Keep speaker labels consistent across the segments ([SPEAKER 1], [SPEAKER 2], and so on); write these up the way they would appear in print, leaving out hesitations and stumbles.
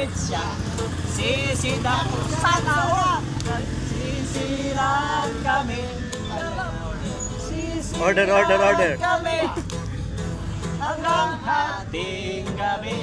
[SPEAKER 1] Nagpapalit siya. Sisida ko sana. Sisiran kami.
[SPEAKER 2] Order, order, order.
[SPEAKER 1] Kami. Hanggang hating gabi.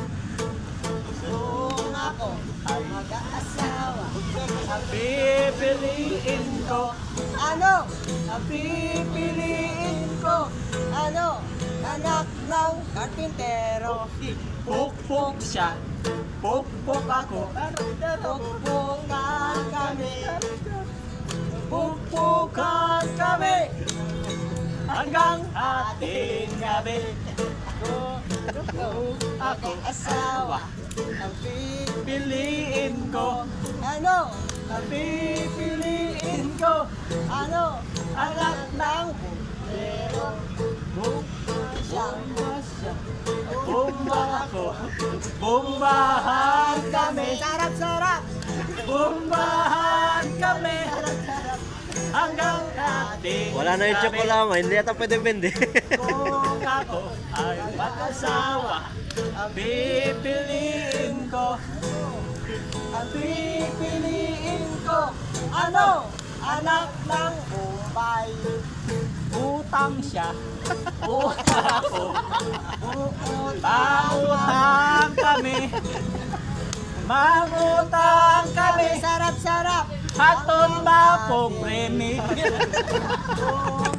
[SPEAKER 3] Kung ako ay mag-aasawa.
[SPEAKER 1] Ang pipiliin ko.
[SPEAKER 3] Ano?
[SPEAKER 1] Ang pipiliin ko.
[SPEAKER 3] Ano? Anak ng karpintero.
[SPEAKER 1] Pukpuk siya. Pukpuk ako.
[SPEAKER 3] Pukpukan kami.
[SPEAKER 1] Pukpukan kami. Hanggang hating gabi. Ako
[SPEAKER 3] Asawa. Ang
[SPEAKER 1] piliin ko.
[SPEAKER 3] ano?
[SPEAKER 1] Ang pipiliin ko.
[SPEAKER 3] Ano?
[SPEAKER 1] Anak ng
[SPEAKER 3] Pero
[SPEAKER 1] Bumba siya. Bumba ako. Bumbahan kami.
[SPEAKER 3] sarap-sarap.
[SPEAKER 1] Bumbahan kami. Hanggang hating
[SPEAKER 2] Wala na yung
[SPEAKER 1] gabi.
[SPEAKER 2] tsokolama, hindi yata pwede bende.
[SPEAKER 1] Kung ako ay mag-asawa, ang pipiliin ko. Ang pipiliin ko.
[SPEAKER 3] Ano? Anak ng Bombay.
[SPEAKER 1] Utang siya. Utang ako.
[SPEAKER 3] Uutang.
[SPEAKER 1] Mangutang kami. Mangutang kami.
[SPEAKER 3] Sarap-sarap.
[SPEAKER 1] Haton ba po premi?
[SPEAKER 3] Kung